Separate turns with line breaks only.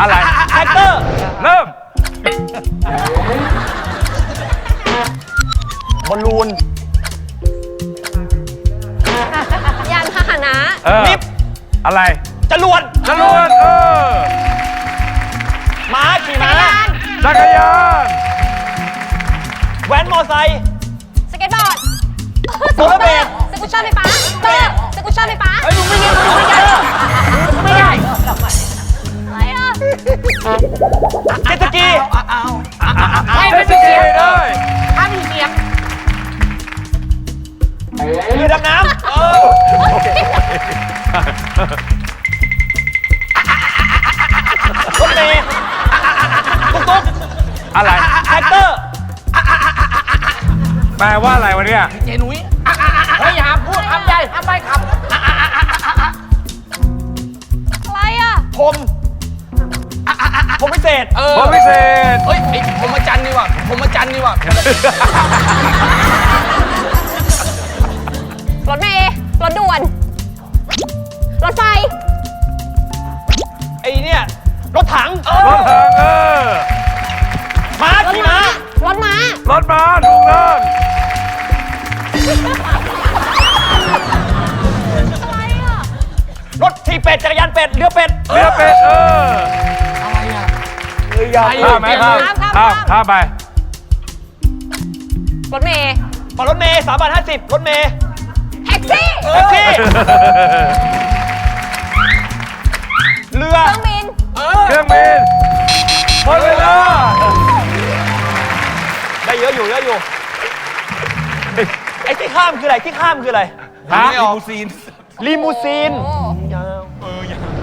อะไร
แท็กเตอร์
เริ่ม
บอลลูน
ยานพาหนะ
ลิฟต์
อะไร
จรวด
จรวด
ม้าขี่ม้า
จักรยาน
แว้นมอไซค์
สเก็ตบอร์ด
โรลเลอร์เบลด
สกูตเตอร์ไฟฟ้าสกูตเตอร์ไฟฟ้า
ไอ้ลุงไม่ได้ไม่ได้ไม่ได้
อะไรอ่ะ
เจ็ตสกี
เจ็ตสกีได้
ถ้ามีเสียง
เรือดำน้ำรถเมล์ตุ๊ก
อะไร
แท็กเตอร์
แปลว่าอะไรวะเนี่ย
เจนุ้ยเฮ้ยอย่าพูดคำใหญ่ห้ามใบค
อะไรอ่ะ
ผมพิเศษ
ำ
ผมพิเศษ
เฮ้ยไอ้ผมมาจันนี่ว่ะผมมาจันนี่ว่ะ
รถเมล์รถด่วน รถไฟ
ไอ้เนี่ยรถถัง
รถถัง
ม้าร
ถ
ขี่
ม้า
ม้าร
ถม้า
รถม้าถูกต้อง
อะไรอ่ะ
รถทีเป็ดจักรยานเป็ดเรือเป็ด
เรือเป็ด
อะไรอ่ะ
เรือยาว
ข้ามไหมข้ามข้ามไป
รถเมล์
รถเมย์3.50 รถเมย์
แท็กซี่
แท็กซี่เรือ
เครื่องบิน
เครื่องบินหมดเวลา
ได้เยอะอยู่เยอะอยู่ไอ้ที่ข้ามคืออะไรที่ข้ามคืออะไร
ฮะ
ลีมูซีน
โอ้
ยาว